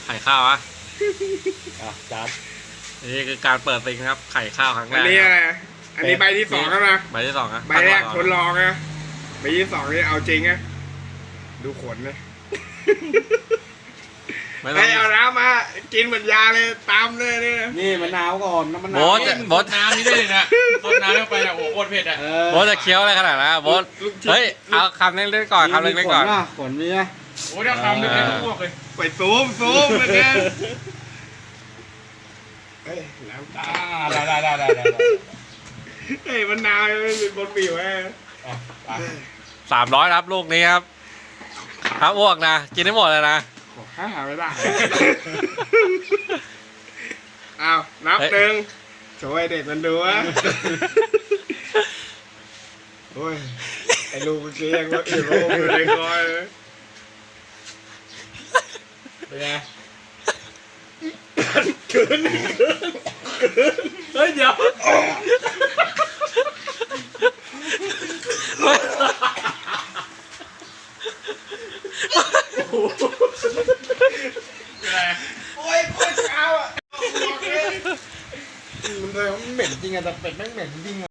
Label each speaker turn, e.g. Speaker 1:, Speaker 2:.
Speaker 1: ข่ข้าวอะ
Speaker 2: จาน
Speaker 1: นี่คือการเปิดซิงครับไข่ข้าวครั้งแร
Speaker 3: อัน
Speaker 1: ก
Speaker 3: นี้อะไรอันนี้ใบที่สองแล้วนะ
Speaker 1: ใบที่สองอะ
Speaker 3: ใบแรกทดลองนะใบที่สองนี่เอาจริงนะดูขนนะ
Speaker 1: ไม่ต้
Speaker 3: ไอ้
Speaker 1: อง
Speaker 3: เอาน้ำมากินเหมือนยาเลยตามเลยเนี่ย
Speaker 2: นี่มะนาวก่อนน้ำมะนา
Speaker 1: โบ๊
Speaker 2: ว
Speaker 1: ทโบ๊ท
Speaker 4: น้ำนี่ได้เลยนะต้นน้ำเข้าไปนะโอ้โหโคตรเผ็ดอ่ะ
Speaker 1: โบ๊ทจะเคี้ยวอะไรขนาดนั้นอะโบ๊ทเฮ้ยเอาคำเล็กๆก่อนคำเล็กๆก่อน
Speaker 2: ขนมีไหม
Speaker 4: โอ้ยเดี๋ยวคำนึงให้ทุกพวกเลย
Speaker 3: ไปซูมเลยเนี่ยเฮ้ยน้ำตา
Speaker 4: ได้
Speaker 3: เฮ้ยมันนาวไม่มีบนผิวไง
Speaker 1: 300ครับลูกนี้ครับห้ามอ้วกนะกินให้หมดเลยนะ
Speaker 3: ขอหาไม่ได้อ้าวนับหนึ่งโชว์ให้เด็กมันดูวะโอ้ยไอ้ลูกเมื่อกี้ยังว่าอื่นโลกอยู่ในคอยเลย
Speaker 4: เป็นไง
Speaker 1: เฮ้ยเดี๋ยว
Speaker 4: เป็นไง
Speaker 3: โอ้ยโคตรเช้าอ่ะ
Speaker 2: มันเลยมันเหม็นจริงอะแต่เป็ดแม่งเหม็นจริงอะ